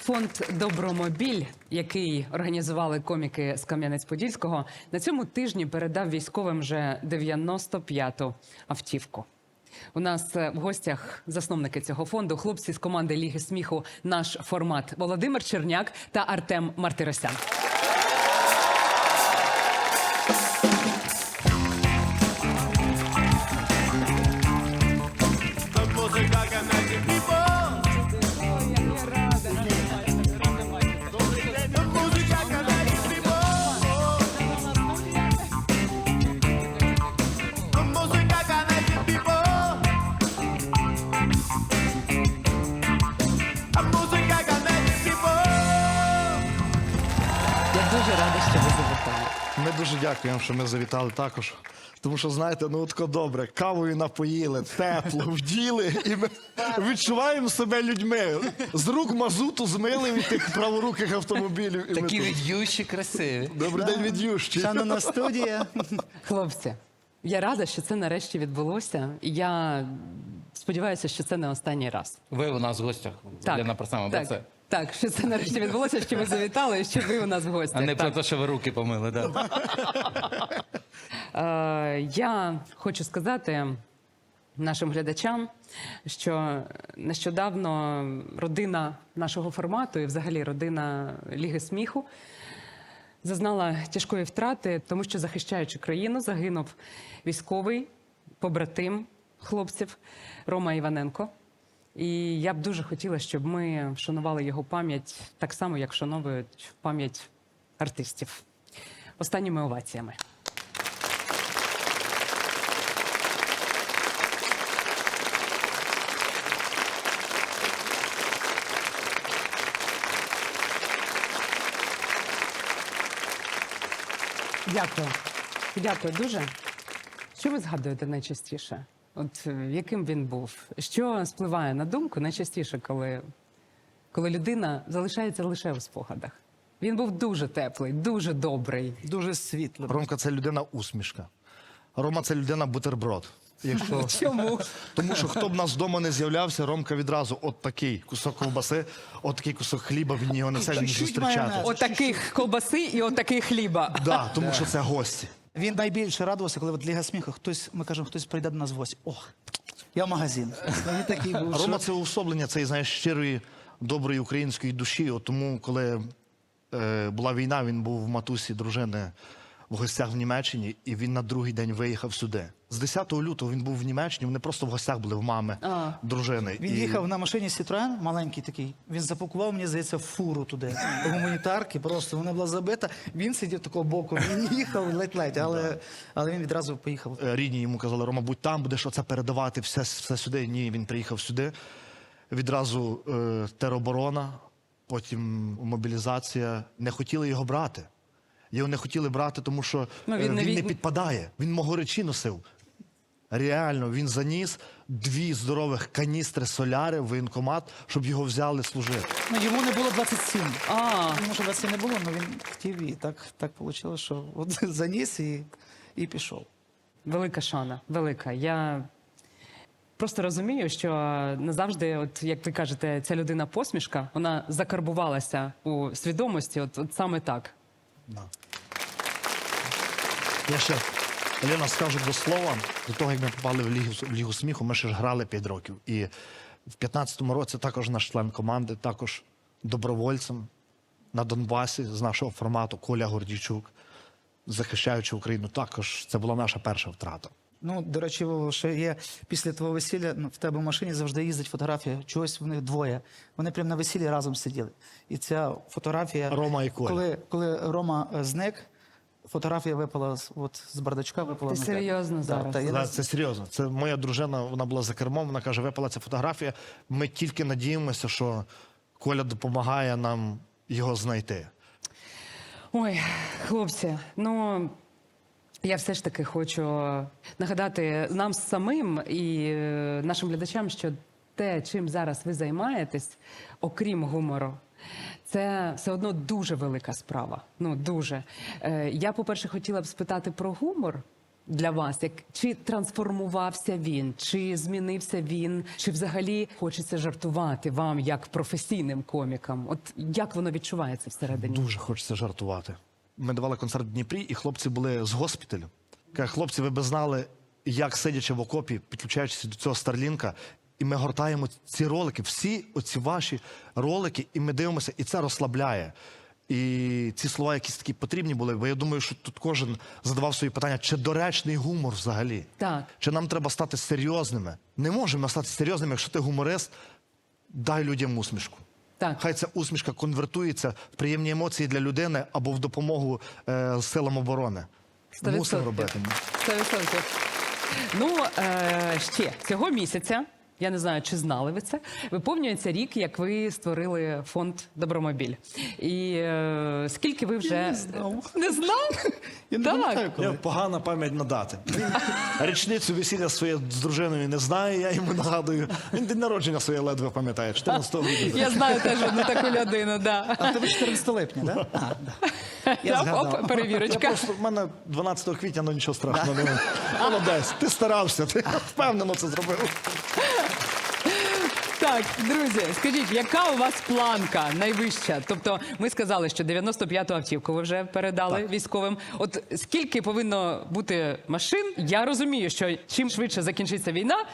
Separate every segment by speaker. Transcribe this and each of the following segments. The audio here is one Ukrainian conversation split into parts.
Speaker 1: Фонд «Добромобіль», який організували коміки з Кам'янець-Подільського, на цьому тижні передав військовим вже 95-ту автівку. У нас в гостях засновники цього фонду, хлопці з команди Ліги сміху «Наш формат» Володимир Черняк та Артем Мартиросян. Я дуже рада, що ви завітали.
Speaker 2: Ми дуже дякуємо, що ми завітали також. Тому що, знаєте, ну тако добре, кавою напоїли, тепло, вділи, і ми відчуваємо себе людьми. З рук мазуту змили від тих праворуких автомобілів. І
Speaker 3: Такі
Speaker 2: ми тут.
Speaker 3: від'ющі, красиві.
Speaker 2: Добрий день, від'ющі.
Speaker 4: Шановна студія.
Speaker 1: Хлопці, я рада, що це нарешті відбулося. І я сподіваюся, що це не останній раз.
Speaker 3: Ви у нас в гостях. Лена Парсамова,
Speaker 1: так,
Speaker 3: це?
Speaker 1: так, що це нарешті відбулося, що ви завітали і що ви у нас в гостях.
Speaker 3: А не про
Speaker 1: Так.
Speaker 3: те, що ви руки помили, да?
Speaker 1: Я хочу сказати нашим глядачам, що нещодавно родина нашого формату і взагалі родина Ліги сміху зазнала тяжкої втрати, тому що, захищаючи країну, загинув військовий побратим хлопців Рома Іваненко. І я б дуже хотіла, щоб ми вшанували його пам'ять так само, як вшановують пам'ять артистів. Останніми оваціями. Дякую. Дякую дуже. Що ви згадуєте найчастіше? От яким він був? Що спливає на думку найчастіше, коли людина залишається лише у спогадах? Він був дуже теплий, дуже добрий.
Speaker 4: Дуже світло.
Speaker 2: Ромка – це людина-усмішка. Рома – це людина-бутерброд. Якщо...
Speaker 1: Чому?
Speaker 2: Тому що хто б нас вдома не з'являвся, Ромка відразу от такий кусок ковбаси, от такий кусок хліба, він його несе, він
Speaker 4: Чуть-чуть
Speaker 2: зустрічати.
Speaker 4: майонез.
Speaker 1: Отаких ковбаси і отаких хліба.
Speaker 2: Да, тому що це гості.
Speaker 4: Він найбільше радувався, коли от Ліга сміху, ми кажемо, хтось прийде до нас в гості. О, я в магазин. Він такий був,
Speaker 2: Рома –
Speaker 4: що...
Speaker 2: це уособлення цієї, знаєш, щирої, доброї української душі. От тому, коли була війна, він був в матусі дружини в гостях в Німеччині, і він на другий день виїхав сюди. З 10 лютого він був в Німеччині, вони просто в гостях були в мами, дружини.
Speaker 4: Він їхав на машині Citroen, маленький такий. Він запакував, мені здається, фуру туди. Гуманітарки, просто вона була забита. Він сидів такого боку, він їхав ледь-ледь, але він відразу поїхав.
Speaker 2: Рідні йому казали: Рома, будь там, будеш оце передавати, все сюди. Ні, він приїхав сюди. Відразу тероборона, потім мобілізація. Не хотіли його брати. Його не хотіли брати, тому що він не підпадає. Він могоречі носив. Реально, він заніс 2 здорових каністри соляри в воєнкомат, щоб його взяли служити.
Speaker 4: Ну, йому не було 27. Йому що 27 не було, але він хотів, і так вийшло, що от заніс і пішов.
Speaker 1: Велика шана, велика. Я просто розумію, що назавжди, от як ви кажете, ця людина посмішка, вона закарбувалася у свідомості, от саме так.
Speaker 2: Да. Я ще, Лена, скажу до слова, до того, як ми попали в Лігу сміху, ми ще ж грали 5 років. І в 15-му році також наш член команди, також добровольцем на Донбасі з нашого формату Коля Гордійчук, захищаючи Україну, також це була наша перша втрата.
Speaker 4: Ну, до речі, Вова, ще є після твого весілля, в тебе в машині завжди їздить фотографія, чогось в них двоє. Вони прямо на весіллі разом сиділи. І ця фотографія...
Speaker 2: Рома і Коля.
Speaker 4: Коли Рома зник, фотографія випала з бардачка, випала.
Speaker 1: Ти
Speaker 4: на тебе.
Speaker 1: серйозно зараз?
Speaker 2: Да, це серйозно. Це моя дружина, вона була за кермом, вона каже: випала ця фотографія. Ми тільки надіємося, що Коля допомагає нам його знайти.
Speaker 1: Ой, хлопці, ну... Я все ж таки хочу нагадати нам самим і нашим глядачам, що те, чим зараз ви займаєтесь, окрім гумору, це все одно дуже велика справа. Ну, дуже. Я, по-перше, хотіла б спитати про гумор, для вас? Чи трансформувався він, чи змінився він, чи взагалі хочеться жартувати вам як професійним комікам? От як воно відчувається всередині?
Speaker 2: Дуже хочеться жартувати. Ми давали концерт в Дніпрі, і хлопці були з госпіталю. Кажуть, хлопці, ви б знали, як сидячи в окопі, підключаючись до цього Старлінка, і ми гортаємо ці ролики, всі оці ваші ролики, і ми дивимося, і це розслабляє. І ці слова якісь такі потрібні були, бо я думаю, що тут кожен задавав свої питання, чи доречний гумор взагалі?
Speaker 1: Так.
Speaker 2: Чи нам треба стати серйозними? Не можемо стати серйозними, якщо ти гуморист, дай людям усмішку.
Speaker 1: Так.
Speaker 2: Хай ця усмішка конвертується в приємні емоції для людини або в допомогу силам оборони.
Speaker 1: 100%.
Speaker 2: Мусимо робити.
Speaker 1: 100%. Ну, ще цього місяця, я не знаю, чи знали ви це, виповнюється рік, як ви створили фонд «Добромобіль». І скільки ви вже...
Speaker 4: Я не знав.
Speaker 1: Не знав?
Speaker 4: Я не
Speaker 1: Так.
Speaker 4: пам'ятаю, коли.
Speaker 2: Я погана пам'ять на дати. Річницю весілля своє з дружиною не знає, я йому нагадую. Він день народження своє ледве пам'ятає, 14 грудня.
Speaker 1: Я знаю теж одну таку людину, да.
Speaker 4: А тебе 14 липня, так? Да? Я
Speaker 1: Так,
Speaker 4: згадав.
Speaker 1: оп,
Speaker 2: Я
Speaker 1: перевірочка.
Speaker 2: просто, в мене 12 квітня, ну нічого страшного немає. Молодець, ти старався, ти впевнено це зробив.
Speaker 1: Так, друзі, скажіть, яка у вас планка найвища? Тобто ми сказали, що 95-ту автівку ви вже передали військовим. От скільки повинно бути машин? Я розумію, що чим швидше закінчиться війна,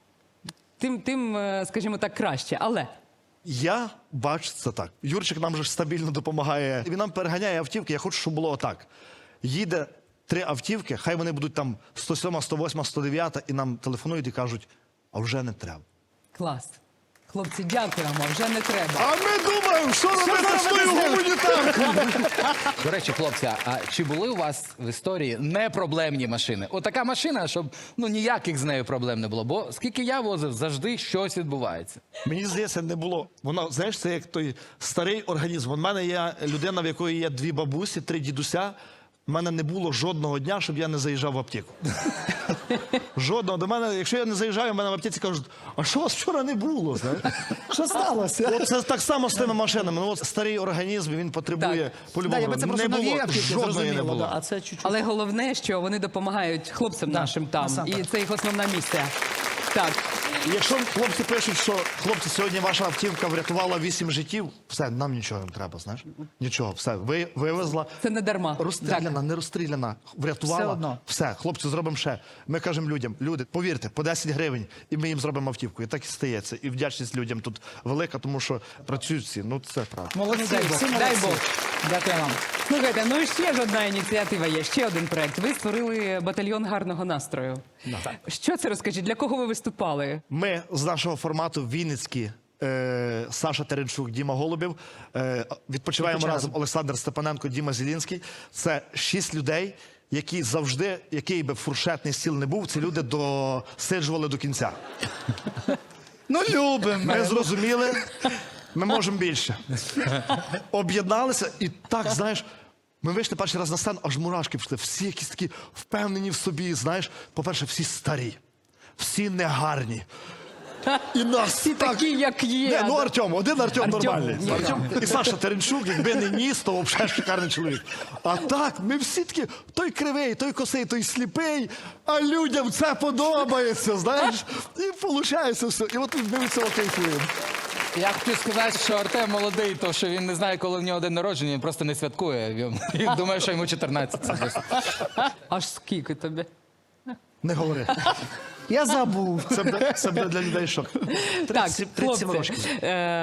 Speaker 1: тим, скажімо так, краще. Але
Speaker 2: Я бачу це так. Юрчик нам же ж стабільно допомагає. Він нам переганяє автівки. Я хочу, щоб було отак. Їде 3 автівки, хай вони будуть там 107, 108, 109, і нам телефонують і кажуть, а вже не треба.
Speaker 1: клас. Хлопці, дякуємо, вже не треба.
Speaker 2: А ми думаємо, що робити з тою гуманітаркою?
Speaker 3: До речі, хлопці, а чи були у вас в історії непроблемні машини? Отака машина, щоб ніяких з нею проблем не було. Бо скільки я возив, завжди щось відбувається.
Speaker 2: Мені здається, не було. Воно, знаєш, це як той старий організм. У мене є людина, в якої є 2 бабусі, 3 дідуся. У мене не було жодного дня, щоб я не заїжджав в аптеку. Жодного. До мене, якщо я не заїжджаю, в мене в аптеці кажуть, а що у вас вчора не було? Знаєш?
Speaker 4: Що сталося?
Speaker 2: От це так само з тими машинами. Ну, от старий організм, він потребує
Speaker 1: Так.
Speaker 2: по-любому.
Speaker 4: Да, якби це просто
Speaker 2: не
Speaker 4: нові
Speaker 2: було,
Speaker 4: автівки,
Speaker 2: жодної не
Speaker 4: зрозуміло,
Speaker 2: було.
Speaker 4: да, а це чуть-чуть.
Speaker 1: Але головне, що вони допомагають хлопцям нашим там.
Speaker 4: насамперед.
Speaker 1: І це їх основна місія. Так.
Speaker 2: І якщо хлопці пишуть, що хлопці, сьогодні ваша автівка врятувала 8 життів, все, нам нічого не треба, знаєш? Нічого, все, вивезла.
Speaker 1: Це не дарма.
Speaker 2: Розстріляна, не розстріляна, врятувала.
Speaker 4: Все одно.
Speaker 2: Все, хлопці, зробимо ще. Ми кажемо людям, люди, повірте, по 10 гривень, і ми їм зробимо автівку. І так і стається. І вдячність людям тут велика, тому що працюють всі. Ну, це правда.
Speaker 4: Молодці,
Speaker 1: Дай Бог.
Speaker 4: всі
Speaker 1: Дай
Speaker 4: молодці.
Speaker 1: Бог.
Speaker 4: Дякую вам.
Speaker 1: Слухайте, ну і ще ж одна ініціатива є, ще один проект. Ви створили батальйон гарного настрою. Що це, розкажіть, для кого ви виступали?
Speaker 2: Ми з нашого формату Вінницькі, Саша Теренчук, Діма Голубів, відпочиваємо разом Олександр Степаненко, Діма Зілінський. Це 6 людей, які завжди, який би фуршетний стіл не був, ці люди досиджували до кінця.
Speaker 4: Ну, любимо.
Speaker 2: Ми зрозуміли, ми можемо більше. Об'єдналися і так, знаєш, ми вийшли перший раз на сцену, аж мурашки пішли. Всі якісь такі впевнені в собі, знаєш. По-перше, всі старі, всі негарні. І нас
Speaker 1: Всі такі, як є.
Speaker 2: Не, ну Артем, один Артем нормальний.
Speaker 1: Ні.
Speaker 2: Артем. І Саша Теренчук, якби не ніс, то взагалі шикарний чоловік. А так, ми всі такі, той кривий, той косий, той сліпий, а людям це подобається, знаєш. І виходить все. І от ми від цього кайфуємо.
Speaker 3: Я хотів сказати, що Артем молодий, то що він не знає, коли в нього день народження, він просто не святкує. Він думає, що йому 14. Це просто.
Speaker 1: Аж скільки тобі?
Speaker 2: Не говори.
Speaker 4: Я забув.
Speaker 2: Це буде для людей шок.
Speaker 1: Так,
Speaker 2: 37
Speaker 1: хлопці,
Speaker 2: років.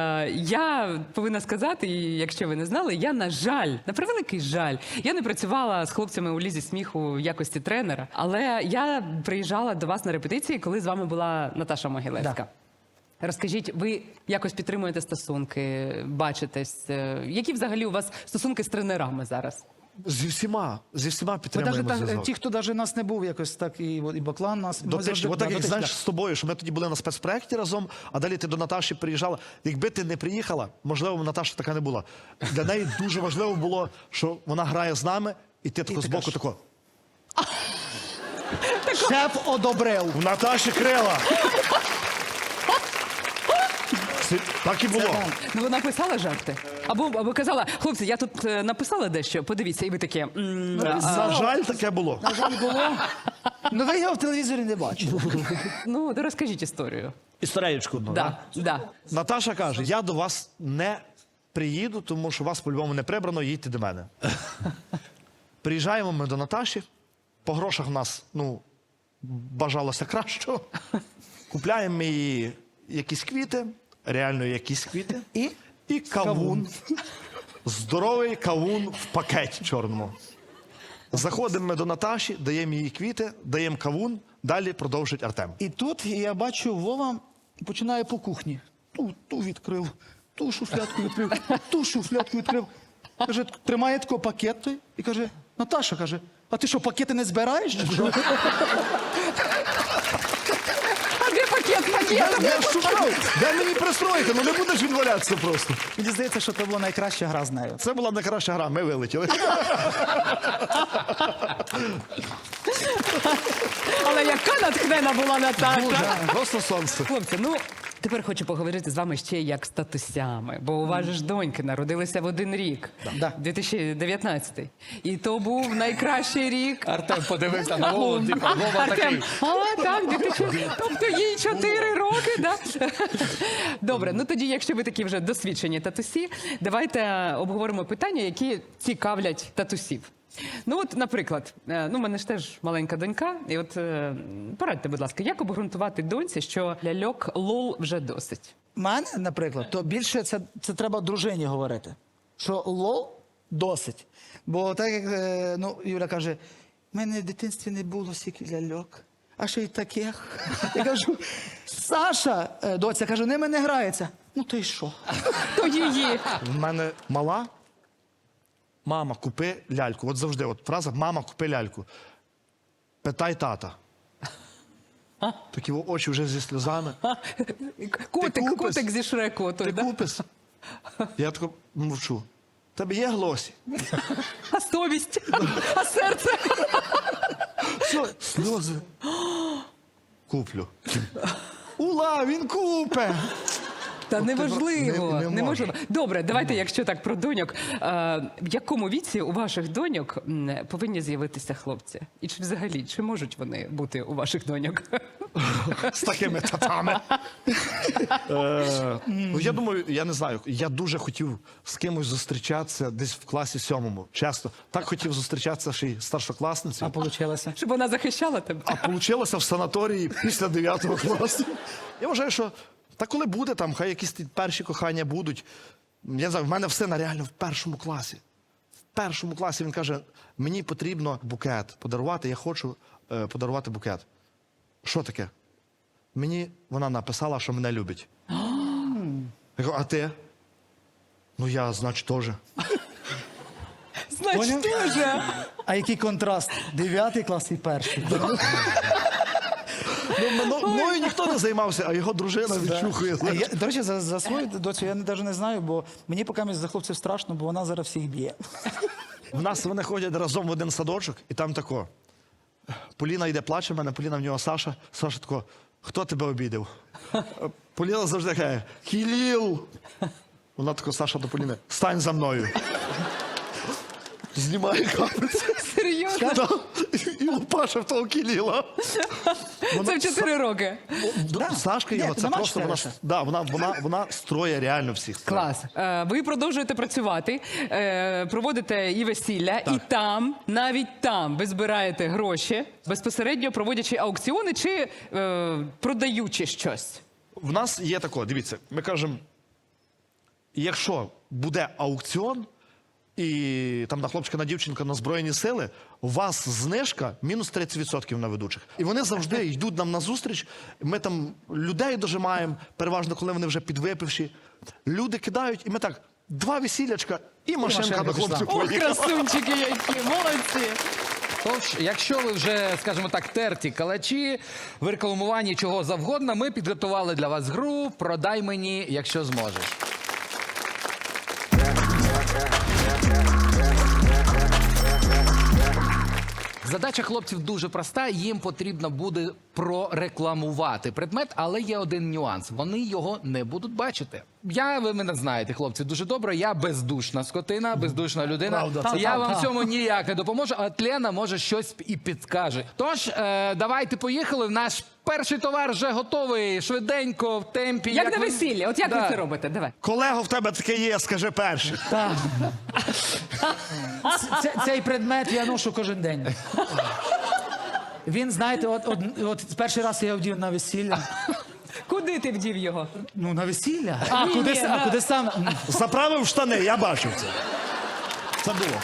Speaker 1: я повинна сказати, і якщо ви не знали, я, на жаль, на превеликий жаль, я не працювала з хлопцями у Лізі сміху в якості тренера, але я приїжджала до вас на репетиції, коли з вами була Наташа Могилевська. Розкажіть, ви якось підтримуєте стосунки, бачитесь? Які взагалі у вас стосунки з тренерами зараз?
Speaker 2: Зі всіма
Speaker 4: Бо
Speaker 2: підтримуємо
Speaker 4: навіть
Speaker 2: зв'язок.
Speaker 4: ті, хто навіть нас не був якось так, і Баклан нас... ми завжди-
Speaker 2: Дотично. Отак, як
Speaker 4: дотично.
Speaker 2: знаєш, з тобою, що ми тоді були на спецпроєкті разом, а далі ти до Наташі приїжджала. Якби ти не приїхала, можливо, Наташа така не була. Для неї дуже важливо було, що вона грає з нами, і ти тако збоку тако.
Speaker 4: Шеф одобрив.
Speaker 2: У Наташі крила. Так і було.
Speaker 1: Ну, вона писала жарти? Або казала, хлопці, я тут написала дещо, подивіться, і ви такі...
Speaker 2: На жаль, таке було.
Speaker 4: На жаль, було. Ну ви його в телевізорі не бачили.
Speaker 1: Ну, то розкажіть історію.
Speaker 2: Історієчку одну.
Speaker 1: Да, да.
Speaker 2: Наташа каже: я до вас не приїду, тому що вас по-любому не прибрано, їдьте до мене. Приїжджаємо ми до Наташі. По грошах в нас, ну, бажалося кращого. Купляємо ми їй якісь квіти, реально якісь квіти. І кавун. Здоровий кавун в пакеті чорному. Заходимо ми до Наташі, даємо їй квіти, даємо кавун, далі продовжить Артем.
Speaker 4: І тут я бачу, Вова починає по кухні. Ту відкрив, ту шуфлядку відкрив, ту шуфлядку відкрив. Каже, тримає такий пакет той і каже, Наташа, каже, а ти що, пакети не збираєш? Чи що?
Speaker 1: А де пакет? Пакет?
Speaker 2: Я шукав, де мені пристроїти, ну не будеш він валятися просто.
Speaker 4: Мені здається, що це була найкраща гра з нею.
Speaker 2: Це була найкраща гра, ми вилетіли.
Speaker 1: Але яка натхнена була Наташа.
Speaker 2: Просто сонце.
Speaker 1: Хлопці, ну тепер хочу поговорити з вами ще як з татусями, бо у вас же ж доньки народилися в один рік,
Speaker 4: Да.
Speaker 1: 2019. І то був найкращий рік.
Speaker 3: Артем подивився на Вову, типу, Вова такий.
Speaker 1: Так, 2000, тобто їй 4 роки, да? Добре, ну тоді, якщо ви такі вже досвідчені татусі, давайте обговоримо питання, які цікавлять татусів. Ну от, наприклад, ну, в мене ж теж маленька донька, і от порадьте, будь ласка, як обґрунтувати доньці, що ляльок лол вже досить?
Speaker 4: Мене, наприклад, то більше це треба дружині говорити. Що лол досить. Бо так як ну, Юля каже, в мене в дитинстві не було стільки ляльок, а ще й таких. Я кажу, Саша, доця, кажу, ними не грається. Ну то й що?
Speaker 1: То її.
Speaker 2: В мене мала. Мама, купи ляльку. От завжди, от фраза «мама, купи ляльку». Питай тата. Такі очі вже зі сльозами. купиш?
Speaker 1: Котик зі Шреку.
Speaker 2: Ти
Speaker 1: Той, да?
Speaker 2: купиш? Я тако мовчу. Тебе є глосі?
Speaker 1: А совість? А серце?
Speaker 2: Все, сльози. Куплю. Ула, він купе!
Speaker 1: Та
Speaker 2: От
Speaker 1: неважливо,
Speaker 2: не
Speaker 1: неможливо. Добре, давайте, якщо так про доньок. В якому віці у ваших доньок повинні з'явитися хлопці? І чи взагалі, чи можуть вони бути у ваших доньок?
Speaker 2: З такими татами. Ну, я думаю, я не знаю, я дуже хотів з кимось зустрічатися десь в класі 7. Чесно. Так хотів зустрічатися ще й старшокласницею.
Speaker 4: А вийшло?
Speaker 1: Щоб вона захищала тебе?
Speaker 2: А вийшло в санаторії після 9 класу. Я вважаю, що та коли буде там, хай якісь ті перші кохання будуть. Я не знаю, в мене в сина реально в 1 класі. В 1 класі він каже, мені потрібно букет подарувати, я хочу подарувати букет. Що таке? Мені вона написала, що мене любить. Я кажу, а ти? Ну я, значить, теж.
Speaker 1: Значить, дуже.
Speaker 4: А який контраст? 9 клас і 1.
Speaker 2: Ну, мною ніхто не займався, а його дружина відчухує.
Speaker 4: До речі, за свою доцю я навіть не знаю, бо мені поки за хлопців страшно, бо вона зараз всіх б'є.
Speaker 2: В нас вони ходять разом в один садочок, і там тако. Поліна йде, плаче в мене, Поліна в нього Саша. Саша тако, хто тебе обідав? Поліна завжди каже, Кіліл. Вона тако, Саша до Поліни, стань за мною. Знімає капець.
Speaker 1: Серйозно?
Speaker 2: Да. І лупаше в того Кіліла.
Speaker 1: Це в 4 роки.
Speaker 2: Сашка його,
Speaker 4: Ні,
Speaker 2: це просто
Speaker 4: домашня
Speaker 2: вона строє реально всіх.
Speaker 1: Клас. Ви продовжуєте працювати, проводите і весілля, і там, навіть там, ви збираєте гроші, безпосередньо проводячи аукціони чи продаючи щось.
Speaker 2: В нас є тако, дивіться, ми кажемо, якщо буде аукціон, і там на хлопчика, на дівчинка, на Збройні сили, у вас знижка мінус 30% на ведучих. І вони завжди йдуть нам на зустріч. Ми там людей дожимаємо, переважно, коли вони вже підвипивші. Люди кидають, і ми так, 2 весілячка, і машинка до хлопців
Speaker 1: Ох,
Speaker 2: поїхала.
Speaker 1: красунчики які, молодці!
Speaker 3: Тож, якщо ви вже, скажімо так, терті калачі, в рекламуванні чого завгодно, ми підготували для вас гру «Продай мені, якщо зможеш». Задача хлопців дуже проста. Їм потрібно буде прорекламувати предмет, але є один нюанс. Вони його не будуть бачити. Ви мене знаєте, хлопці, дуже добре. Я бездушна скотина, бездушна людина.
Speaker 2: Правда,
Speaker 3: Я вам в цьому ніяк не допоможу, а Лена може щось і підскаже. Тож, давайте поїхали. Наш перший товар вже готовий, швиденько, в темпі.
Speaker 1: Як на
Speaker 3: ви-
Speaker 1: весіллі, от як
Speaker 3: Да.
Speaker 1: ви це робите? Давай.
Speaker 2: Колего, в тебе таке є, скажи перший.
Speaker 4: Так. Цей предмет я ношу кожен день. Він, знаєте, от перший раз я його вдів на весілля.
Speaker 1: Куди ти вдів його?
Speaker 4: Ну, на весілля.
Speaker 1: Ні, ні,
Speaker 4: А куди сам?
Speaker 2: Заправив штани, я бачив це. Це було.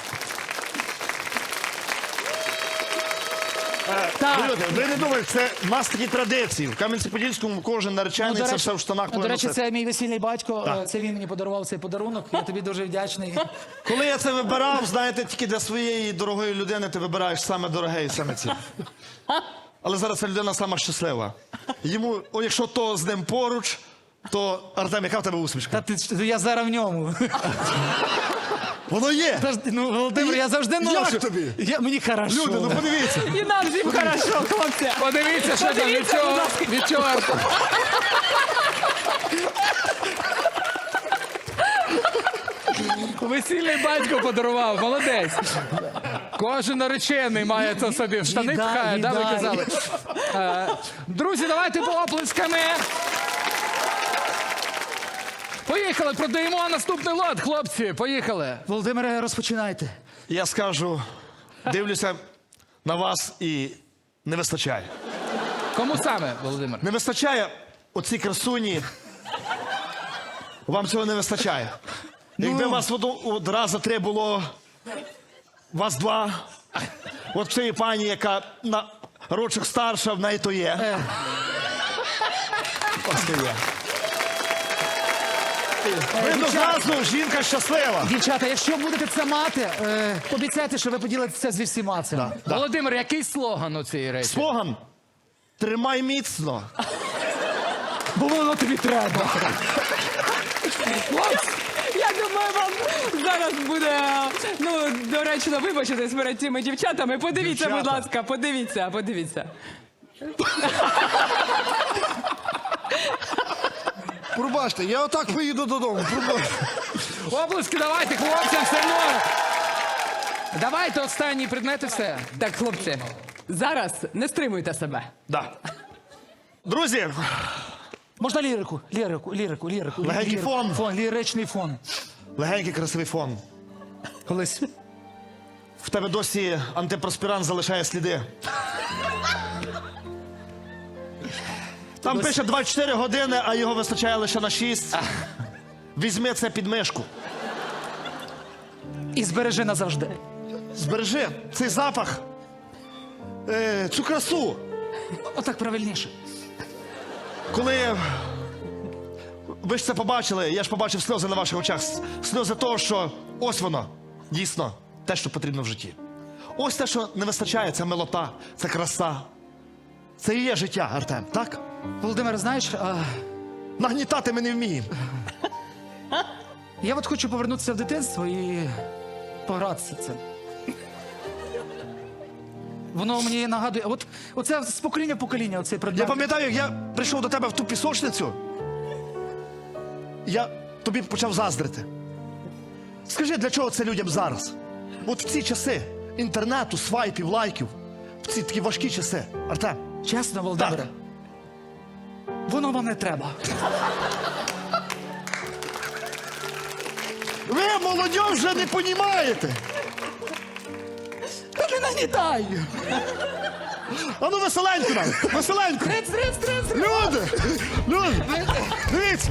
Speaker 2: Люди, ви не думаєте, це в нас такі традиції. В Кам'янці-Подільському кожен наречений, це все в штанах
Speaker 4: До
Speaker 2: повинно
Speaker 4: речі,
Speaker 2: носити.
Speaker 4: це мій весільний батько.
Speaker 2: Так.
Speaker 4: Це він мені подарував цей подарунок. Я тобі дуже вдячний.
Speaker 2: Коли я це вибирав, знаєте, тільки для своєї дорогої людини ти вибираєш саме дороге і саме ці. Але зараз ця людина сама щаслива. Йому, якщо то з ним поруч, то Артем, яка в тебе усмішка?
Speaker 4: Я зараз в ньому.
Speaker 2: Воно є!
Speaker 4: Ну, Володимир, я завжди ношу.
Speaker 2: Як тобі?
Speaker 4: Мені хорошо.
Speaker 2: Люди, ну подивіться.
Speaker 1: І нам всім хорошо, хлопці.
Speaker 3: Подивіться, що там від
Speaker 1: Подивіться,
Speaker 3: цього,
Speaker 1: будь ласка.
Speaker 3: від цього. Весільний батько подарував, молодець. Кожен наречений має це собі в штани
Speaker 4: Віддай,
Speaker 3: пхає, да, ви
Speaker 4: віддай.
Speaker 3: казали. Друзі, давайте оплесками. Поїхали, продаємо наступний лот, хлопці, поїхали.
Speaker 4: Володимире, розпочинайте.
Speaker 2: Я скажу, дивлюся на вас і не вистачає.
Speaker 3: Кому саме, Володимир?
Speaker 2: Не вистачає оці красуні. Вам цього не вистачає. Якби вас от раз за три було, вас два. От цієї пані, яка на рочок старша, в неї то є. Ось то є. Видно зразу, жінка щаслива.
Speaker 4: Дівчата, якщо будете це мати, обіцяйте, що ви поділитеся зі всіма цим.
Speaker 2: Да.
Speaker 3: Володимир, який слоган у цієї речі?
Speaker 2: Слоган «Тримай міцно».
Speaker 4: Бо воно тобі треба.
Speaker 1: Я думаю, вам зараз буде доречно вибачитись перед цими дівчатами. Подивіться,
Speaker 2: Дівчата.
Speaker 1: будь ласка, подивіться.
Speaker 2: Пробачте, я отак поїду додому. Пробачте.
Speaker 3: Оплески давайте, хлопцям, все одно. Давайте останній предмет і все.
Speaker 1: Так, хлопці, зараз не стримуйте себе.
Speaker 2: Да. Друзі,
Speaker 4: Можна лірику?
Speaker 2: Легенький фон.
Speaker 4: Фон, ліричний фон.
Speaker 2: легенький красивий фон.
Speaker 4: Колись.
Speaker 2: В тебе досі антипроспірант залишає сліди. Там пише 24 години, а його вистачає лише на 6. Візьми це під мишку.
Speaker 4: І збережи назавжди.
Speaker 2: Збережи цей запах, цю красу.
Speaker 4: Отак правильніше.
Speaker 2: Коли ви ж це побачили, я ж побачив сльози на ваших очах. Сльози того, що ось воно, дійсно, те, що потрібно в житті. Ось те, що не вистачає, це милота, це краса. Це і є життя, Артем, так?
Speaker 4: Володимир, знаєш,
Speaker 2: Нагнітати ми не вміємо.
Speaker 4: я от хочу повернутися в дитинство і погратися цим. Воно мені нагадує, оце з покоління в покоління, оцей
Speaker 2: Я
Speaker 4: предмет.
Speaker 2: пам'ятаю, як я прийшов до тебе в ту пісочницю, я тобі почав заздрити. Скажи, для чого це людям зараз? От в ці часи інтернету, свайпів, лайків, в ці такі важкі часи. Артем,
Speaker 4: Чесно, Володимире,
Speaker 2: Так.
Speaker 4: воно вам не треба.
Speaker 2: ви, молодь, вже не понімаєте.
Speaker 4: Та не нагнітай!
Speaker 2: А ну веселенько нам, веселенько. Люди, дивіться.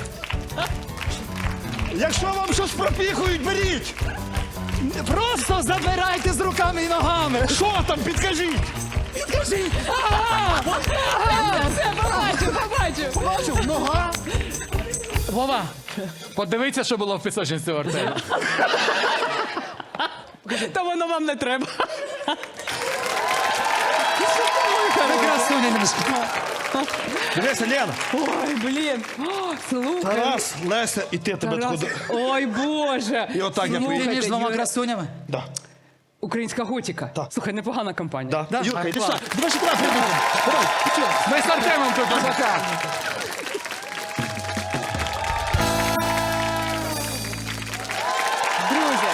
Speaker 2: Якщо вам щось пропіхують, беріть.
Speaker 4: Просто забирайте з руками і ногами!
Speaker 2: Що там, підкажіть.
Speaker 4: Скажіть!
Speaker 1: Все, побачив.
Speaker 2: Бачив, нога.
Speaker 3: Вова, подивіться, що було в пісочниці у Артема.
Speaker 1: Та воно вам не треба.
Speaker 4: Ви красуня немножко.
Speaker 2: Дивися, Лена.
Speaker 1: Ой, блін. О, слухай.
Speaker 2: Тарас, Леся, і ти тебе
Speaker 1: Тарас.
Speaker 2: таку.
Speaker 1: Ой, Боже.
Speaker 2: І отак я
Speaker 4: Ти
Speaker 2: поїду.
Speaker 4: між двома
Speaker 1: Юра,
Speaker 4: красунями?
Speaker 2: Да.
Speaker 1: Українська готіка.
Speaker 2: Так.
Speaker 1: Слухай, непогана компанія.
Speaker 2: Да. Юрка, йди
Speaker 1: клас.
Speaker 2: сюди. Давай шоколад прибудемо. Давай, ти чого?
Speaker 3: Ми з Артемом тут пока.
Speaker 1: Друзі,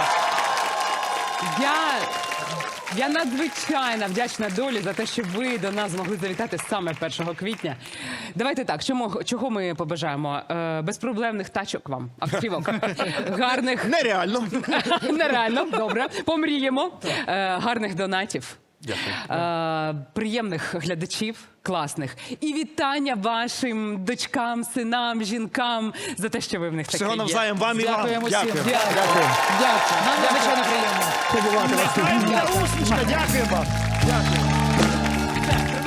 Speaker 1: я надзвичайно вдячна долі за те, що ви до нас змогли завітати саме 1 квітня. Давайте так, чого ми побажаємо? Безпроблемних тачок вам, автівок, гарних...
Speaker 2: Нереально.
Speaker 1: Нереально, добре. Помріємо. Гарних донатів. Приємних глядачів, класних. І вітання вашим дочкам, синам, жінкам за те, що ви в них такі
Speaker 2: Всього
Speaker 1: є.
Speaker 2: навзаєм вам і вам.
Speaker 4: Дякуємо всім.
Speaker 2: Дякую.
Speaker 1: Дякую. Дякую.
Speaker 4: Нам надзвичайно приємно.
Speaker 2: Усмішка, дякуємо. Дякую.